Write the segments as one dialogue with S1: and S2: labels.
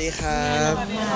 S1: ดีครับ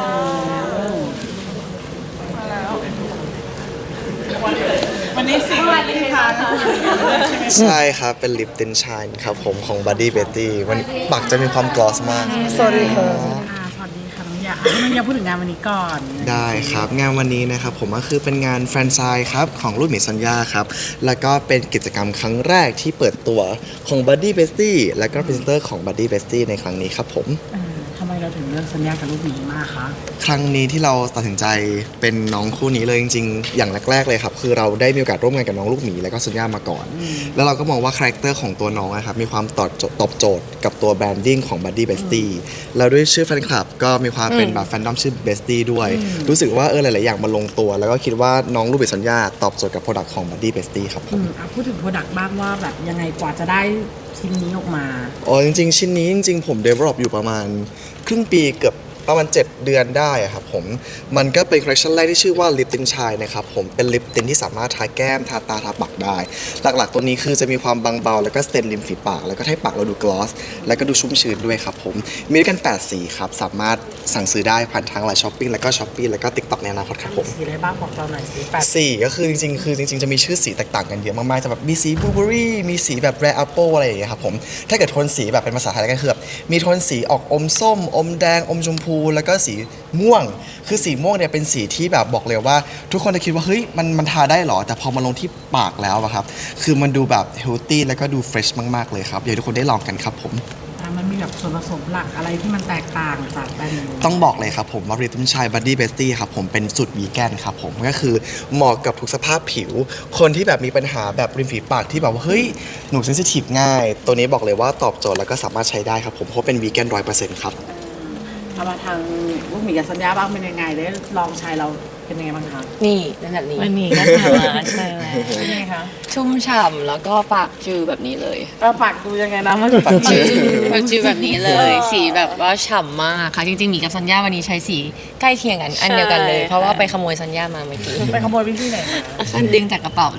S2: วันนี้สิ่งอะไรดีคะ
S1: ใช่ครับเป็นลิปตินชายครับผมของ Buddy Betty วันนี้ปากจะมีความกลอสมาก
S2: สวัสดีค่ะสวัสดีค่ะน้องยาน้องยาพูดถึงงานวันนี้ก่อน
S1: ได้ครับงานวันนี้นะครับผมก็คือเป็นงานแฟรนไชส์ครับของลูกหมีซอนยาครับแล้วก็เป็นกิจกรรมครั้งแรกที่เปิดตัวของ Buddy Betty และก็พรีเซนเตอร์ของ Buddy Betty ในครั้งนี้ครับผม
S2: ทำไมเราถึงเลือกสัญญากับลูกหมีมากคะ
S1: ครั้งนี้ที่เราตัดสินใจเป็นน้องคู่นี้เลยจริงๆอย่างแรกๆเลยครับคือเราได้มีโอกาสร่วมงานกับน้องลูกหมีและก็ซุนย่ามาก่อน แล้วเราก็มองว่าคาแรคเตอร์ของตัวน้องนะครับมีความตอบโจทย์กับตัวแบรนดิ้งของ Buddy Bestie แล้วด้วยชื่อแฟนคลับก็มีความเป็นแบบแฟนดอมชื่อ Bestie ด้วยรู้สึกว่าหลายๆอย่างมาลงตัวแล้วก็คิดว่าน้องลูกหมีซุนย่าตอบโจทย์กับโปรดักต์ของ Buddy Bestie ครับผม
S2: พูดถึงโปรดักต์บ้างว่าแบบยังไงกว่าจะได้ชิ้นนี้ออกมา
S1: อ๋อจริงๆชิ้นนี้จริงๆผม develop อยู่ประมาณครึ่งปีเกือบประมาณ7 เดือนได้อะครับผมมันก็เป็นคอลเลคชันแรกที่ชื่อว่าลิปตินชายนะครับผมเป็นลิปตินที่สามารถทาแก้มทาตาทาปากได้หลักๆตัวนี้คือจะมีความบางเบาแล้วก็สเตนริมฝีปากแล้วก็ให้ปากเราดูกลอสแล้วก็ดูชุ่มชื้นด้วยครับผมมีด้วยกัน8สีครับสามารถสั่งซื้อได้ผ่านทางไลน์ช้อปปิ้งแล้วก็ช้อปปี้แล้วก็ TikTok ในอนาคตครับผม
S2: สีอะไรบ้างบอกเราหน่อยสิแปด
S1: สีก็คือจริงๆจะมีชื่อสีแตกต่างกันเยอะมากๆจะแบบมีสีบลูเบอรี่มีสีแบบแรดแอปเปิลอะไรอย่างเงี้ยครับผมถ้าเกิดโทนสีแบบเป็นภาษาไทยก็คือแบบมีโทนสีออกอมส้มอมแดงอมชมพูแล้วก็สีม่วงคือสีม่วงเนี่ยเป็นสีที่แบบบอกเลยว่าทุกคนจะคิดว่าเฮ้ยมันทาได้หรอแต่พอมาลงที่ปากแล้วอะครับคือมันดูแบบเฮลตี้แล้วก็ดูเฟรชมากๆเลยครับอยากให้ทุกคนได้ลองกันครับผม
S2: มันมีแบบส่วนผสมหลักอะไรที่มันแตกต่างจากแบรนด์อื่น
S1: ต้องบอกเลยครับผมว่าริทึมชาย Buddy Bestie ครับผมเป็นสูตรวีแกนครับผมก็คือเหมาะกับทุกสภาพผิว คนที่แบบมีปัญหาแบบริมฝีปากที่แบบว่าเฮ้ยหนูเซนซิทีฟง่าย ตัวนี้บอกเลยว่าตอบโจทย์แล้วก็สามารถใช้ได้ครับผมเพราะเป็นวีแกน100%ครับ
S2: เอามาทางลูกหมีกับสัญญาบ้างเป็นยังไงได้ลองใช้เราเป็นยังไงบ้างคะ
S3: นี่เป็นแบบนี้
S4: วันนี้ก็ทำมาใช่แล้ว
S2: เป็นยังไงคะ
S3: ชุ่มฉ่ำแล้วก็ปากจือแบบนี้เลย
S2: ปากดูยังไงนะมัน
S1: ปากจืด
S3: ปากจือแบบนี้เลย สีแบบว่าฉ่ำมากค่ะ จริงๆหมีกับซันย่าวันนี้ใช้สีใกล้เคียงกันอันเดียวกันเลย เพราะว่าไปขโมยซันย่ามาเมื่อกี้
S2: ไปขโมยวิธีไหนมา
S3: อันดึงจากกระเป๋าเลย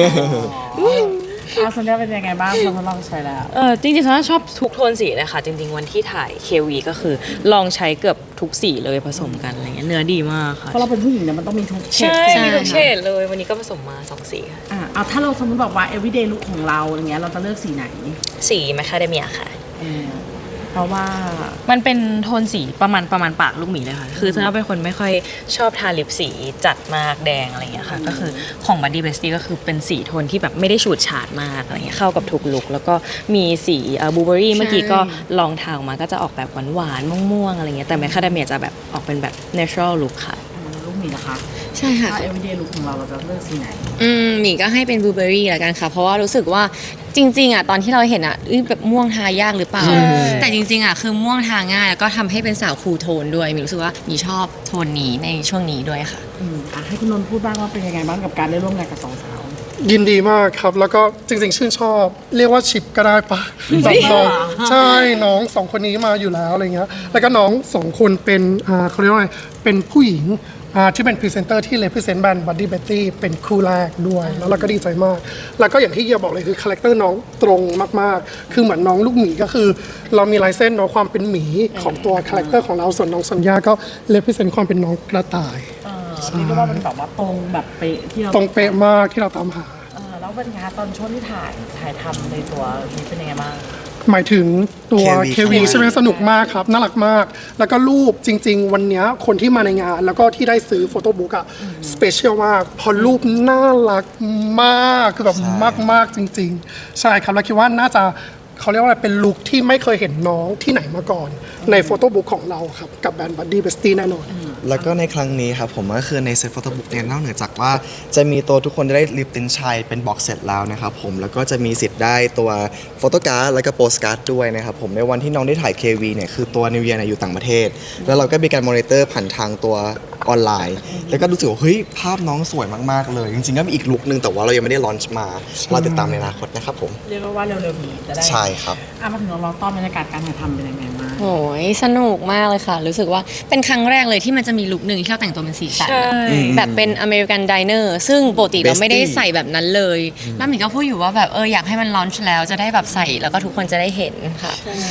S2: สัญญาเป็นยังไงบ้างพอทดลองใช้แล้ว
S4: จริงๆฉันชอบทุกโทนสีเลยค่ะ จริงๆวันที่ถ่าย KV ก็คือลองใช้เกือบทุกสีเลยผสมกันอะไรเงี้ยเนื้อดีมากค่ะ
S2: เพราะเราเป็นผู้หญิงเนี่ยมันต้องมีทุกเฉด
S4: ใช่
S2: สี
S4: มีทุกเฉดเลยวันนี้ก็ผสมมา2 สีค่ะ
S2: เอาถ้าเราสมมติบอกว่า everyday look ของเราอย่างเงี้ยเราจะเลือกสีไหน
S4: สีแมคคาเดเมียค่ะ
S2: เออเพราะว่า
S4: มันเป็นโทนสีประมาณปากลูกหมีเลยค่ะ คือฉันเป็นคนไม่ค่อยชอบทาลิปสีจัดมากแดงอะไรเงี้ยค่ะ ก็คือของ Buddy Bestie ก็คือเป็นสีโทนที่แบบไม่ได้ฉูดฉาดมากอะไรเงี้ยเข้ากับทุกลุคแล้วก็มีสีบลูเบอรี่เมื่อกี้ก็ลองทาออกมาก็จะออกแบบหวานๆม่วงๆอะไรเงี้ยแต่แมคคาเดเมียจะแบบออกเป็นแบบ natural look ค่ะ
S2: ลูกหมีนะคะ
S3: ใช่ค่ะ
S2: ถ้า everyday look ของเราเราจะเลือกสีไหน
S3: หมีก็ให้เป็นบลูเบอรี่ละกันค่ะ เพราะว่ารู้สึกว่าจริงๆอ่ะตอนที่เราเห็นอ่ะแบบม่วงทายากหรือเปล่า แต่จริงๆอ่ะคือม่วงทาง่ายแล้วก็ทำให้เป็นสาวคูลโทนด้วยหมีรู้สึกว่าหมีชอบโทนนี้ในช่วงนี้ด้วยค่ะ
S2: ให้คุณนนท์พูดบ้างว่าเป็นยังไงบ้างกับการได้ร่วมงานกับสองสาว
S5: ยินดีมากครับ แล้วก็จริงๆชื่นชอบ เรียกว่าชิปก็ได้ปะแบบน้องใช่น้องสองคนนี้มาอยู่แล้วอะไรเงี้ยแล้วก็น้องสองคนเป็นเขาเรียกว่าอะไรเป็นผู้หญิงที่เป็นพรีเซนเตอร์ที่ represent แบรนด์ Buddy Betty เป็นคู่แรกด้วย แล้วเราก็ดีใจมาก แล้วก็อย่างที่เฮียบอกเลยคือคาแรคเตอร์น้องตรงมากๆ คือเหมือนน้องลูกหมีก็คือ เรามีลายเส้นเนาะความเป็นหมีของตัวคาแรคเตอร์ของเราส่วนน้องสัญญาก็ represent ความเป็นน้องกระต่าย
S2: นี่ก็ว่าเป็นแบบว่าตรงแบบเป๊ะที่เรา
S5: ตรงเป๊ะมากที่เราตามหา
S2: แล้วเป็นไงคะตอนช่วงที่ถ่ายทำในตัวนี้เป็นยังไงบ้าง
S5: หมายถึงตัว
S1: KV
S5: KV ใช่ไหมสนุกมากครับ น่ารักมาก แล้วก็รูปจริง ๆ วันเนี้ยคนที่มาในงาน แล้วก็ที่ได้ซื้อโฟโต้บุ๊กอะสเปเชียลมากเพอรูปน่ารักมากคือแบบมาก ๆ จริง ๆ ใช่ครับ แล้วคิดว่าน่าจะเขาเรียกว่าอะไรเป็นลุคที่ไม่เคยเห็นน้องที่ไหนมาก่อน ในโฟโต้บุ๊กของเราครับ กับแบรนด์ Buddy Bestie แน่นอน
S1: แล้วก็ในครั้งนี้ครับผมก็คือในเซตโฟโต้บุ๊กเนี่ยนอกเหนือจากว่าจะมีตัวทุกคนได้ลิปตินชัยเป็นบ็อกเซตแล้วนะครับผมแล้วก็จะมีสิทธิ์ได้ตัวโฟโต้การ์ดแล้วก็โปสการ์ดด้วยนะครับผมในวันที่น้องได้ถ่าย KV เนี่ยคือตัวนิวเยียร์อยู่ต่างประเทศ แล้วเราก็มีการมอนิเตอร์ผ่านทางตัวออนไลน์ แล้วก็รู้สึกว่าเฮ้ยภาพน้องสวยมากๆเลย จริงๆก็มีอีกลุคนึงแต่ว่าเรายังไม่ได้ลอนช์มาเราติดตามในอนาคตนะครับผม
S2: เรียกว่าเร็วๆนี้จะได้
S1: ใช่ครับ
S2: มาถึงเราต้อนบรรยากาศการถ่ายทำเป็นยังไงบ้าง
S3: โอ้ยสนุกมากเลยค่ะ รู้สึกว่าเป็นครั้งแรกเลยที่มันจะมีลุคหนึ่งที่เราแต่งตัวเป็นสีสัน
S4: ใช่
S3: แบบเป็นอเมริกันไดเนอร์ซึ่งปกติเราไม่ได้ใส่แบบนั้นเลย แล้วหมีก็พูดอยู่ว่าแบบอยากให้มันลอนช์แล้วจะได้แบบใส่แล้วก็ทุกคนจะได้เห็นค่ะ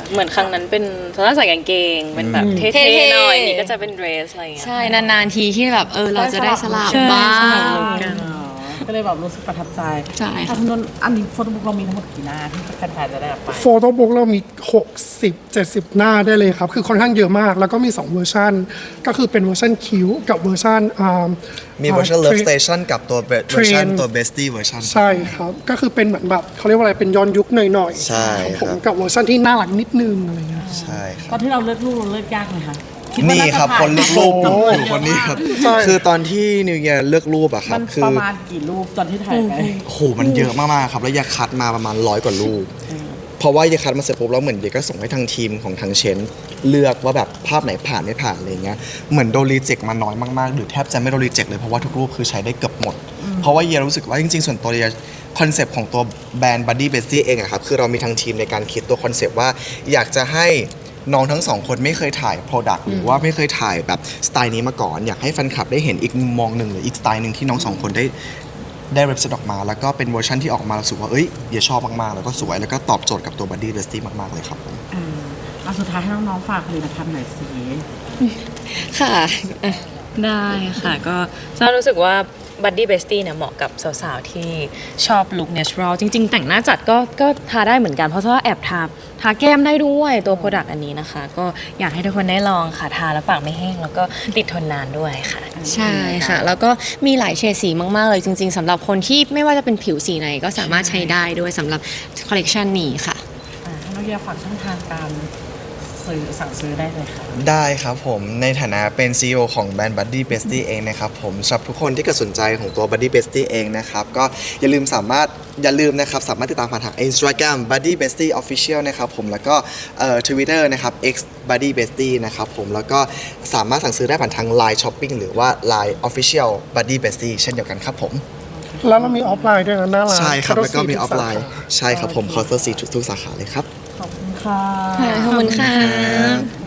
S4: เหมือนครั้งนั้นเป็นโซน่าใส่กางเกงเป็นแบบเท่
S3: เท่
S4: ๆ
S3: ๆ
S4: หน่อยนี่ก็จะเป็นเดรสอะไรอย่างเงี้ย
S3: ใช่นานๆทีที่แบบเราจะได้สลับ
S4: ใช่
S3: บ้า
S4: สลั
S3: ง
S4: บลุคกัน
S2: อ๋อก็เลยแบบรู้สึกประทับใจ
S3: ใช่ค่ะ
S2: คุณนนท์อันนี้โฟโต้บุ๊กเรามีทั้งหมดกี่หน้าที่แฟนๆจะได้รับไป
S5: โฟโต้บุ๊กเรามี 60-70 หน้าได้เลยครับ คือค่อนข้างเยอะมาก แล้วก็มี 2 เวอร์ชันก็คือเป็นเวอร์ชันคิ้วกับเวอร์ชัน
S1: มีเวอร์ชัน Love
S5: เทรน
S1: Station กับตัวเวอร์ชันตัว Bestie เวอร์ชัน
S5: ใช่ครับ ก็คือเป็นเหมือนแบบเขาเรียกว่าอะไรเป็นย้อนยุคหน่อยๆ
S1: ใช่
S5: ผม
S1: ครับ
S5: กับเวอร์ชันที่น่ารักนิดนึงอะไรเงี้ย
S1: ใช่ครับ
S2: ตอนที่เราเลือกรูปเราเลือกยากไหมคะดว่า
S1: นี่
S2: าจะ
S1: ครับ
S2: ผ่า
S1: คนเลือกรูป
S2: โอ้โห
S1: อยู่คนนี้ครับ
S5: ใช่
S1: คือตอนที่นิวเยียร์เลือกรูปอะครั
S2: มั
S1: บ
S2: น
S1: คื
S2: ป
S1: อ
S2: ระมาณกี่รูปตอนที่ถ่ายไป
S1: โอ้โหมันเยอะมากๆครับ แล้วยาคัดมาประมาณ100 กว่ารูป เพราะว่ายาคัดมาเสร็จปุ๊บแล้วเหมือนเยก็ส่งให้ทางทีมของทางเชนเลือกว่าแบบภาพไหนผ่านไม่ผ่านอะไรเงี้ยเหมือนโดนรีเจ็คมาน้อยมากๆหรือแทบจะไม่โดนรีเจ็คเลยเพราะว่าทุกรูปคือใช้ได้เกือบหมด เพราะว่าเยียรู้สึกว่าจริงๆส่วนตัวเยียคอนเซปต์ของตัวแบรนด์ Buddy Bestie เองอะครับคือเรามีทางทีมในการคิดตัวคอนเซปต์ว่าอยากจะให้น้องทั้งสองคนไม่เคยถ่าย Product หรือว่าไม่เคยถ่ายแบบสไตล์นี้มาก่อน อยากให้แฟนคลับได้เห็นอีกมุมมองหนึ่งหรืออีกสไตล์หนึ่งที่น้องสองคนได้เรปเซตออกมา แล้วก็เป็นเวอร์ชันที่ออกมารู้สึกว่าเอ้ยเยียชอบมากๆแล้วก็สวยแล้วก็ตอบโจทย์กับตัว Buddy Bestie มากๆเลยครับผม
S2: เอาสุดท้ายให้น้องๆฝากผลิตภัณฑ์หน่อยสิ
S3: ค่ะ
S4: ได้ค่ะก็จะรู้สึกว่า Buddy Bestie เนี่ยเหมาะกับสาวๆ ที่ชอบลุค natural จริงๆ แต่งหน้าจัดก็ทาได้เหมือนกัน เพราะว่าแอบทาแก้มได้ด้วยตัวโปรดักต์อันนี้นะคะ ก็อยากให้ทุกคนได้ลองค่ะทาแล้วปากไม่แห้ง แล้วก็ติดทนนานด้วยค่ะ
S3: ใช่ค่ะ แล้วก็มีหลายเฉดสีมากๆเลยจริงๆสำหรับคนที่ไม่ว่าจะเป็นผิวสีไหนก็สามารถใช้ได้ด้วยสำหรับคอลเลกชันนี้ค่ะ
S2: ให้น้องเยียฝากช่องทางการสั่งซื้อได้เลยค่ะ
S1: ได้ครับผมในฐานะเป็น CEO ของแบรนด์ Buddy Bestie เองนะครับผมสำหรับทุกคนที่เกิดสนใจของตัว Buddy Bestie เองนะครับก็อย่าลืมนะครับสามารถติดตามผ่านทาง Instagram Buddy Bestie Official นะครับผมแล้วก็Twitter นะครับ X Buddy Bestie นะครับผมแล้วก็สามารถสั่งซื้อได้ผ่านทาง Line Shopping หรือว่า Line Official Buddy Bestie เช่นเดียวกันครับผม
S5: แล้วเรามีออฟไลน์ด้วยนะหน้าร้าน
S1: ใช่ครับแล้วก็มีออฟไลน์
S5: ทุกสาขา
S1: ใช่ครับผม Counter 4ทุกสาขาเลยครับ
S2: ขอบคุณค่ะ
S3: ขอบคุณค่ะ
S1: ครับ